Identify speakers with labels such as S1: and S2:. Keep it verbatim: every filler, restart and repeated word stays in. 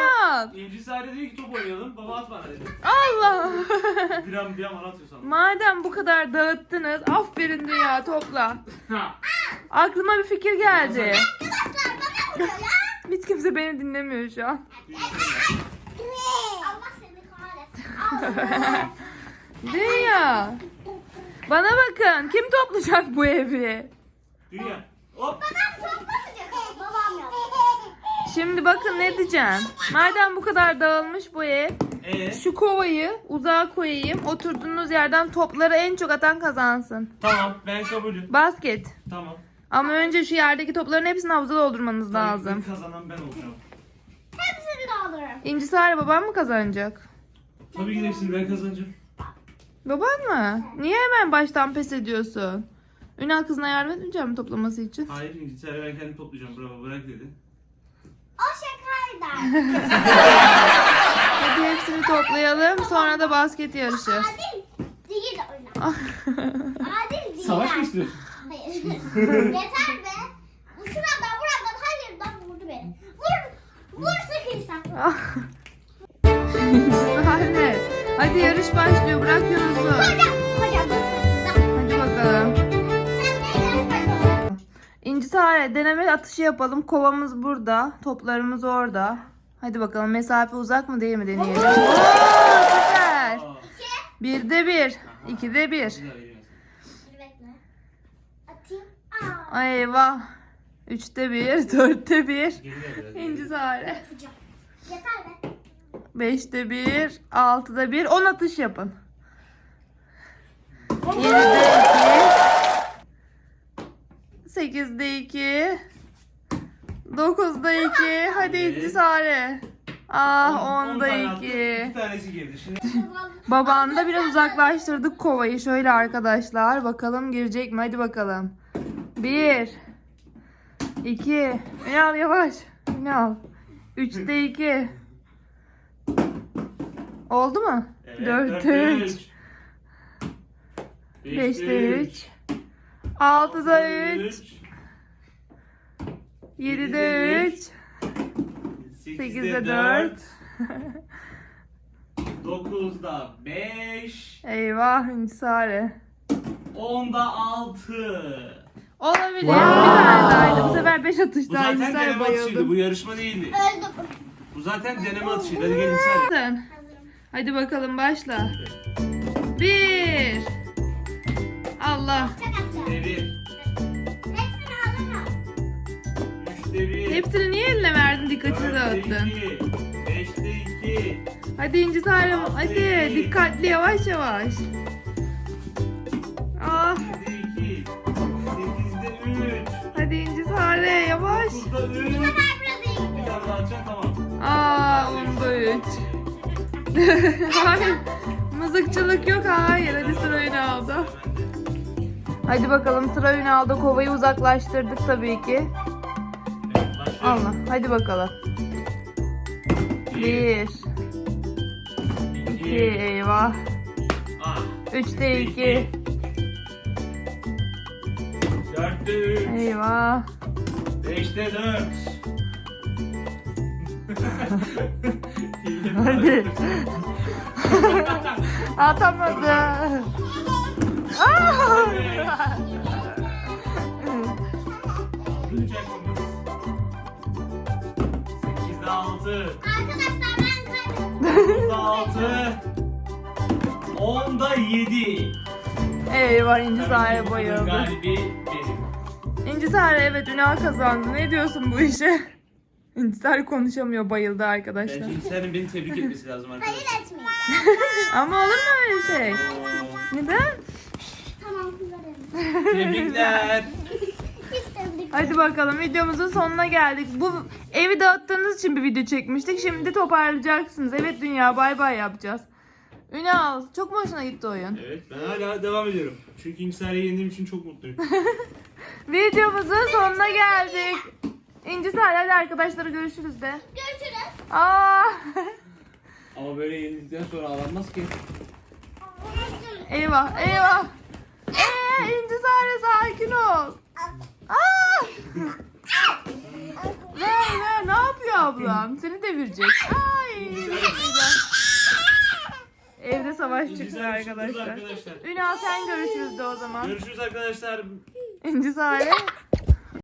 S1: Ünal.
S2: İnci Sare diyor ki top oynayalım. Baba at bana dedi.
S1: Allah.
S2: Bir an bir an bana atıyor sandım.
S1: Madem bu kadar dağıttınız, aferin Dünya, topla.
S2: Ha.
S1: Aklıma bir fikir geldi.
S3: Arkadaşlar bana vuruyor ya.
S1: Hiç kimse beni dinlemiyor şu an.
S3: Allah seni kahretsin.
S1: Dünya. Bana bakın, kim toplayacak bu evi?
S2: Dünya. Hop.
S3: Babam toplamayacak. Babam yok.
S1: Şimdi bakın ne diyeceğim. Madem bu kadar dağılmış bu ev,
S2: Ee?
S1: şu kovayı uzağa koyayım. Oturduğunuz yerden topları en çok atan kazansın.
S2: Tamam ben kabulüm.
S1: Basket.
S2: Tamam.
S1: Ama önce şu yerdeki topların hepsini havuza doldurmanız lazım.
S2: İlk kazanan ben olacağım.
S3: Hepsini de alırım.
S1: İnci Sare baban mı kazanacak?
S2: Tabii ki de hepsini ben kazanacağım.
S1: Baban mı? Niye hemen baştan pes ediyorsun? Ünal kızına yardım etmeyecek mi toplaması için?
S2: Hayır İnci Sare ben kendim toplayacağım. Bravo bırak dedi.
S3: O şakaydı.
S1: Hadi hepsini toplayalım, sonra da basket yarışı.
S3: Adil değil oyna. Adil değil.
S2: Savaş mı istiyorsun?
S3: Hayır. Yeter be. Bu şuradan buradan hayırdan vurdu beni. Vur. Vur sıkıysa.
S1: Anne, hadi yarış başlıyor, bırak Yunus'u.
S3: Hocam. Hocam.
S1: Hadi bakalım.
S3: Sen de yarış.
S1: İnci Sare, deneme atışı yapalım. Kovamız burada, toplarımız orada. Hadi bakalım, mesafe uzak mı değil mi deneyelim. Oo, süper.
S2: Aa.
S1: Birde bir, ikide bir.
S2: Güzel, iyi.
S3: Dur bekle. Atayım. Aa.
S1: Ay eyvah. Üçte bir, dörtte bir.
S2: Geriler biraz.
S1: İnci Sare.
S3: Yapacağım. Yeter be.
S1: Beşte bir, altıda bir, on atış yapın. Yedide iki. Sekizde iki. Dokuzda iki. Hadi İnci Sare. Ah
S2: On- on
S1: onda
S2: tane attı,
S1: iki.
S2: İki tanesi girdi. Şimdi
S1: Babanı da biraz uzaklaştırdık kovayı. Şöyle arkadaşlar. Bakalım girecek mi? Hadi bakalım. Bir. İki. Ünal yavaş. Ünal. Üçte iki. Oldu mu?
S2: Evet,
S1: Dörtte üç. Beşte üç. Altıda üç. Yedide üç. Sekizde dört.
S2: Dokuzda beş.
S1: Eyvah İnci Sare.
S2: Onda altı.
S1: Olabilir. Bir tane dahaydı. Bu sefer beş
S2: Bu
S1: atışta
S2: zaten
S1: İnci Sare
S2: deneme atışıydı.
S1: bayıldı.
S2: Bu yarışma değildi.
S3: Öldüm.
S2: Bu zaten deneme atışıydı. Hadi gelin sen.
S1: Sen. Hadi bakalım başla. Bir. Allah.
S3: Çok atacağım.
S2: Üçte bir.
S3: Hepsini alırım.
S2: Üçte bir.
S1: Hepsini niye eline verdin? Dikkatini
S2: Dörtte
S1: dağıttın.
S2: iki. Beşte iki.
S1: Hadi İnci Sare. Hadi dikkatli yavaş yavaş. Ah.
S2: Yedide iki. Sekizde üç.
S1: Hadi İnci Sare yavaş.
S2: Dokuzda üç.
S3: Bu sefer biraz iyi
S2: Bir
S3: gidiyor.
S2: tane daha atacaksın tamam.
S1: Aa onda üç. Hayır. Mızıkçılık yok. Hayır. Hadi sıra Ünal'da. Hadi bakalım sıra Ünal'da. Kovayı uzaklaştırdık tabii ki.
S2: Evet, başlıyoruz.
S1: Allah. Hadi bakalım. Bir. İki. Eyvah.
S2: Ah.
S1: Üçte iki.
S2: Dörtte üç.
S1: Eyvah.
S2: Beşte dört.
S1: Hadi. Atamadı. Aa!
S2: Sekizde altı.
S3: Arkadaşlar ben kaybettim.
S2: Dokuzda altı. Onda yedi.
S1: Eyvah İnci Sare bayıldı.
S2: Galibi benim.
S1: İnci Sare evet Ünal kazandı. Ne diyorsun bu işe? İnci Sare konuşamıyor, bayıldı arkadaşlar.
S2: Bence İnsanın beni tebrik etmesi lazım arkadaşlar.
S3: Hayır etmeyin.
S1: Ama olur mu öyle şey? Neden?
S3: Tamam kızarım.
S2: Tebrikler.
S3: Hiç tebrik.
S1: Hadi bakalım videomuzun sonuna geldik. Bu evi dağıttığınız için bir video çekmiştik. Şimdi toparlayacaksınız. Evet Dünya bay bay yapacağız. Ünal çok mu hoşuna gitti oyun?
S2: Evet ben hala devam ediyorum. Çünkü İncisar'ı yendiğim için çok mutluyum.
S1: Videomuzun sonuna geldik. İnci Sare hadi arkadaşlara görüşürüz de.
S3: Görüşürüz.
S1: Aa!
S2: Ama böyle yenildikten sonra ağlanmaz ki.
S1: Eyvah eyvah. Eee İnci Sare sakin ol. Aa! Ver ver ne yapıyor ablam. Seni devirecek. Ay. Evde savaş çıktı
S2: İncisare çıktı
S1: arkadaşlar.
S2: arkadaşlar.
S1: Ünal sen görüşürüz de o zaman.
S2: Görüşürüz arkadaşlar.
S1: İncisare.